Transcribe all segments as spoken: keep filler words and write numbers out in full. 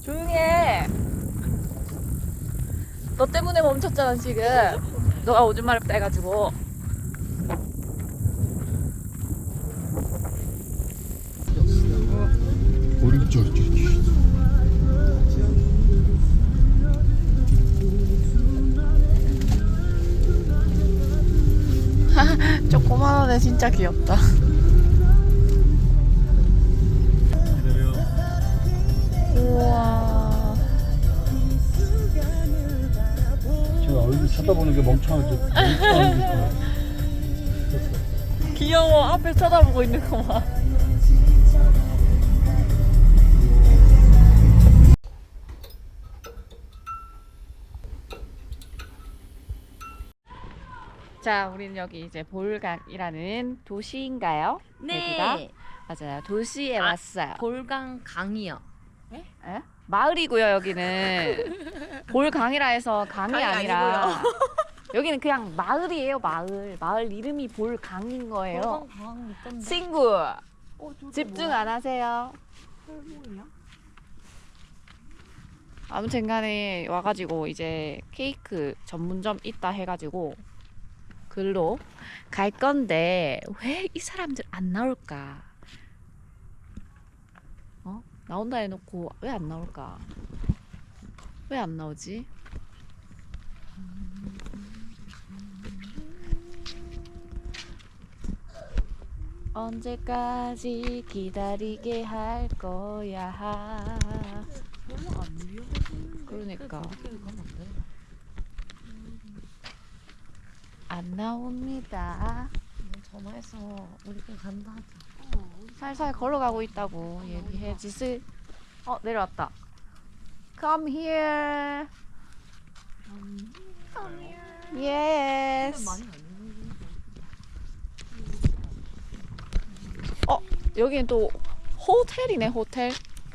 조용히 해. 너 때문에 멈췄잖아 지금. 너가 오줌 마렵다 해가지고. 오른쪽. 조그만 애 진짜 귀엽다. 우와. 제가 얼굴 쳐다보는 게 멍청하지. 귀여워. 앞에 쳐다보고 있는 거 봐. 자, 우리는 여기 이제 볼각이라는 도시인가요? 네. 여기가? 맞아요. 도시에 아, 왔어요. 볼강 강이요. 에? 마을이고요, 여기는. 볼강이라 해서 강이, 강이 아니라 여기는 그냥 마을이에요, 마을. 마을 이름이 볼강인 거예요. 볼강 강 있던데. 친구, 어, 집중 안 하세요. 설모야? 아무튼 간에 와가지고 이제 케이크 전문점 있다 해가지고 글로 갈 건데 왜 이 사람들 안 나올까? 어? 나온다 해놓고 왜 안 나올까? 왜 안 나오지? 언제까지 기다리게 할 거야? 별로 안 위험해. 그러니까. 가면 안 돼. 안 나옵니다. 전화해서 우리 그냥 간다 하자. 살살 걸어가고 있다고 얘기해. 지슬. 어, 내려왔다. Come here. Yes. 많이 안 위험해. 어, 여기는 또 호텔이네, 호텔.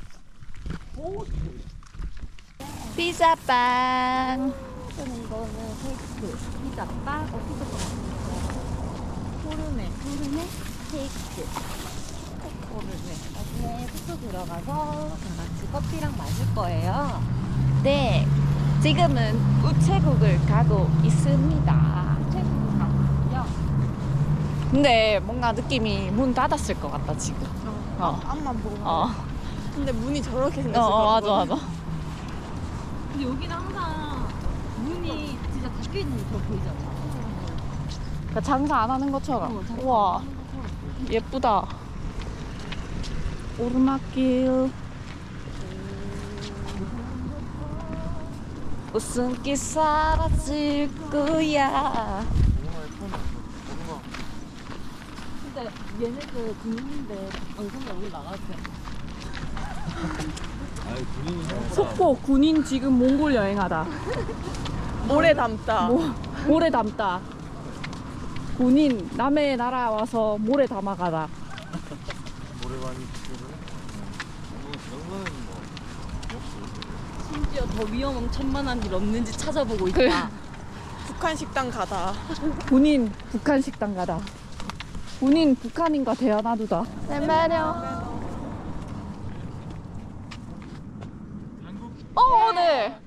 피자빵. 쓰는 거는 케이크, 피자빵, 어 피자빵. 포르네, 포르네, 케이크. 포르네. 나중에 숙소 들어가서 다 같이 커피랑 마실 거예요. 네. 지금은 우체국을 가고 있습니다. 우체국을 가고요. 근데 뭔가 느낌이 문 닫았을 것 같다, 지금. 어. 앞만 보고. 어. 근데 문이 저렇게 어, 생겼을 어, 맞아, 거거든. 맞아. 근데 여기는 항상 문이 진짜 닫혀 있는 게 더 보이잖아. 그 장사 안 하는 것처럼. 어, 장사 우와, 안 하는 것처럼. 예쁘다. 오르막길. 웃음기 사라질 거야. 근데 얘네들 군인인데 방송에 오늘 나가지. 속보 군인 지금 몽골 여행하다. 모래 담다. 모, 모래 담다. 군인 남의 나라 와서 모래 담아가다. 심지어 더 위험한 천만한 일 없는지 찾아보고 있다. 그래. 북한 식당 가다. 군인 북한 식당 가다. 군인 북한인과 대화 나누다. 내 매력. 어, 네.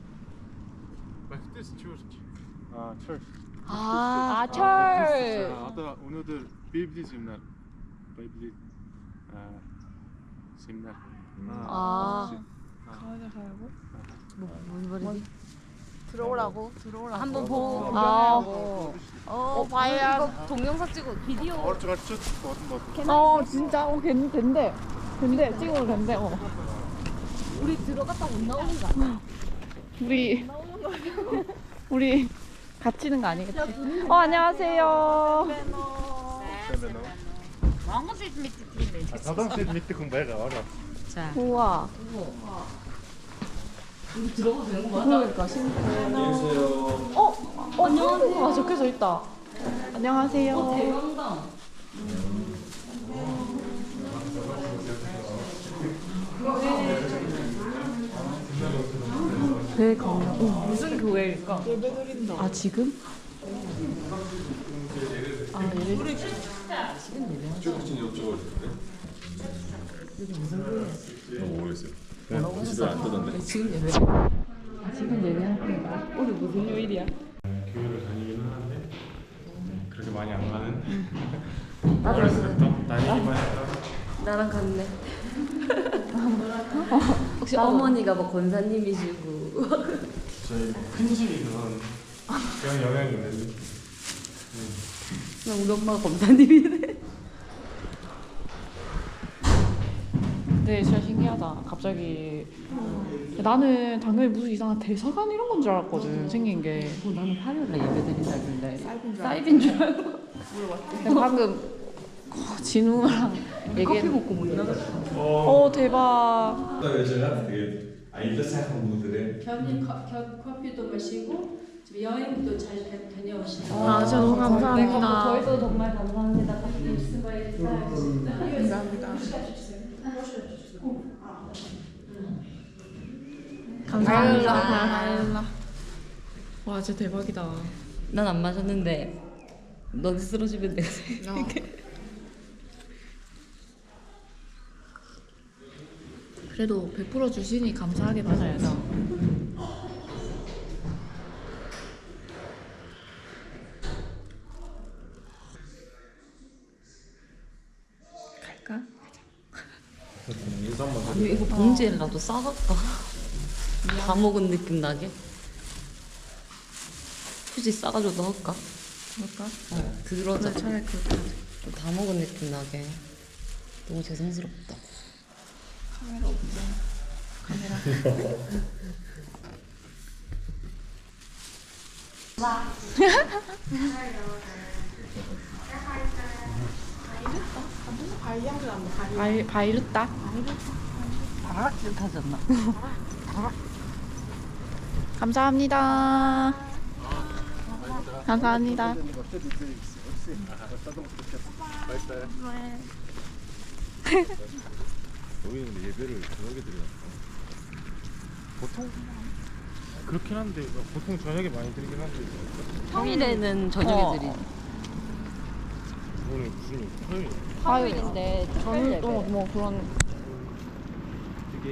아, 철. 아, 아, 철. hatta onudur Beyblade seminer. Beyblade. 아, seminer. 아. 가야 가라고? 뭔 말이지? 들어오라고? 들어오라고. 한번 보고 아. 보려고. 어, 봐야. 이거 동영상 찍고 비디오. Orada kaçacak orada. 어, 진짜. 어, 괜, 된대. 된대. 찍어도 된대. 어. 우리 들어갔다 못 나오는 거 아니야? 우리 우리 갇히는 거 아니겠지? 어, 안녕하세요. Adam zit mitte kom bij orada. 자, 우와. 우리 들어가도 되는 거야? 그러니까 신기해. 어, 어, 한국어가 적혀져 있다. 안녕하세요. 대강당. 대강당. 어, 무슨 교회일까? 예배 드린다. 아, 지금? 아, 예배. 최국진이 여쭤봐도 돼? 여기 무슨 모르겠어요. 뭐라고 하셨어? 안 뜨던데. 지금 예배. 지금 예배하는 거야? 오늘 무슨 요일이야? 교회를 다니긴 하는데 그렇게 많이 안 가는. 나도 어렸을 때부터 다니기만 했다. 나랑 같네. 혹시 어머니가 뭐 권사님이시고 저희 큰술이 그건 그런 영향이 있는데. 나 우리 엄마가 검사님이네. 근데 진짜 신기하다. 갑자기 나는 당연히 무슨 이상한 대사관 이런 건 줄 알았거든. 생긴 게. 어, 나는 화요일에 예배 드린다길래 사이비인 줄 알고 근데 방금 어, 진우랑 커피 얘기했. 먹고 못 나갔어. 어 대박. 제가 되게 아이들 생각한 분들의 견이 커, 겨, 커피도 마시고 지금 여행도 잘 다- 다녀오시고 아, 진짜 너무 감사합니다. 저희도 정말 감사합니다. 커피 감사합니다. 감사합니다. 와 진짜 대박이다. 난 안 마셨는데 너네 쓰러지면 내가 그래도 베풀어 주시니 감사하게 받아야죠. 갈까? 인사 한번 해. 아니 이거 봉지에라도 싸갈까? 다 먹은 느낌 나게? 굳이 싸가지고 넣을까? 그럴까? 어, 그러자. 차라리 그럴까? 좀 다 먹은 느낌 나게. 너무 죄송스럽다. 카메라 없죠? 카메라. 바이 바이르타. 따뜻하지 않나? 감사합니다. 감사합니다. 여기는 근데 예배를 저녁에 드려요. 보통 그렇긴 한데 보통 저녁에 많이 드리긴 한데 평일에는 저녁에 어. 드리지. 오늘 무슨 일? 토요일. 화요일인데 저는 또 뭐 그런 이게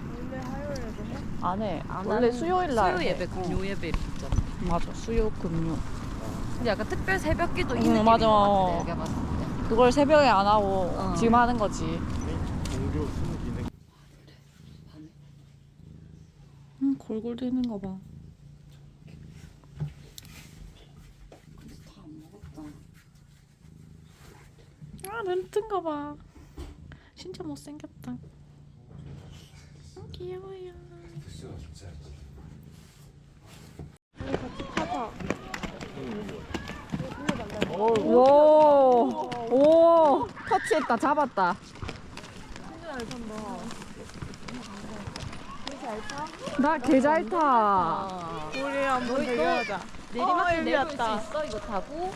안 해. 안 원래 하는- 수요일 날 수요 해. 예배, 금요 예배 이렇게 있잖아. 맞아. 수요 금요. 근데 약간 특별 새벽기도 이 응, 느낌인 맞아. 것 같아. 내가 봤을 때. 그걸 새벽에 안 하고 어. 지금 하는 거지. 종교 수능 기능. 응, 골골 되는 거 봐. 아, 눈뜬 거 봐. 진짜 못생겼다. 어, 귀여워요. 오, 오, 터치했다, 잡았다. 나 개 잘 타. 우리 한번 대결하자. 내리막 어, 내릴 수 열렸다. 있어 이거 타고.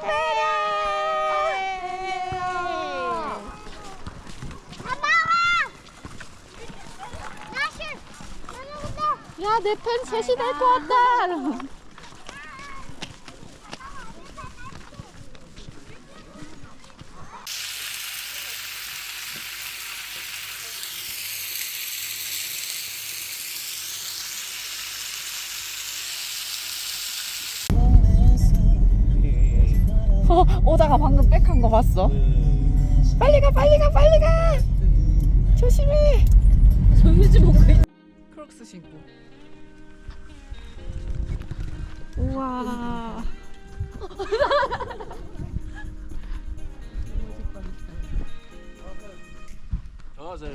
야, 내 펜 셋이 될 것 같다. 어, 오다가 방금 백한 거 봤어? 빨리 가, 빨리 가, 빨리 가. 조심해. 정유지 먹고 있. 크록스 신고. 우와. 아, 잘.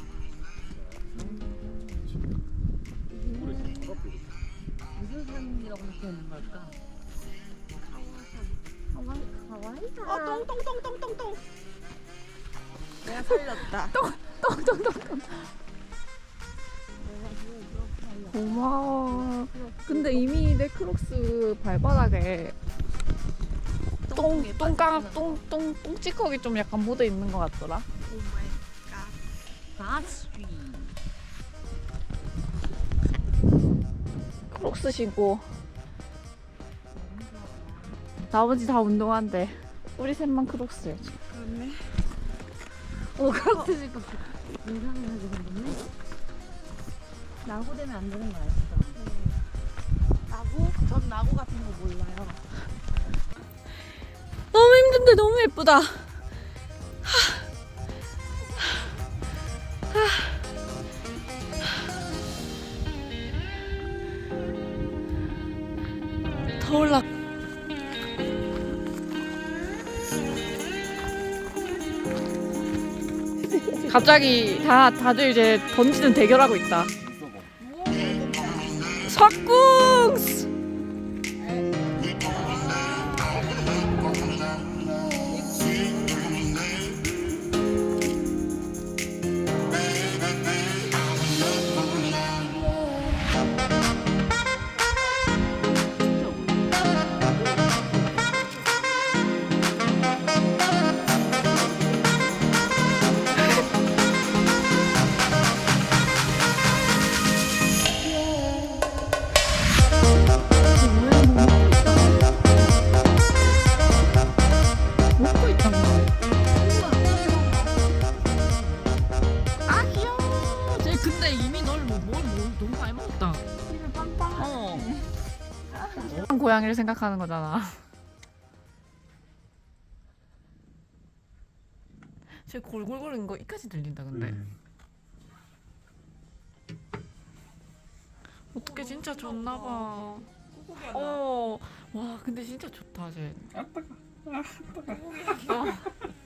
무슨 산이라고 생각하는 걸까? 어, 똥똥똥똥똥똥. 내가 살렸다. 고마워. 근데 이미 내 크록스 발바닥에 똥, 똥깡, 똥, 똥, 똥찌꺼기 좀 약간 묻어 있는 것 같더라. 가스트리. 크록스 신고. 나머지 다 운동한대. 우리 셋만 크록스야. 그렇네. 오 크록스 신고. 인상을 하게 생겼네. 나고 되면 안 되는 거 알죠? 나고? 전 나고 같은 거 몰라요. 너무 힘든데 너무 예쁘다. 더 올라. 갑자기 다 다들 이제 던지는 대결하고 있다. 석궁스. 먹고 있단 말이야. 아 귀여워. 쟤 근데 이미 널뭘 뭘, 뭘 너무 많이 먹었다. 어. 고양이를 생각하는 거잖아. 쟤 골골거리는 거 이까지 들린다 근데. 음. 어떻게 진짜 좋나 봐. 어. 와 근데 진짜 좋다 쟤. 아, 따가. 아, 따가. 어.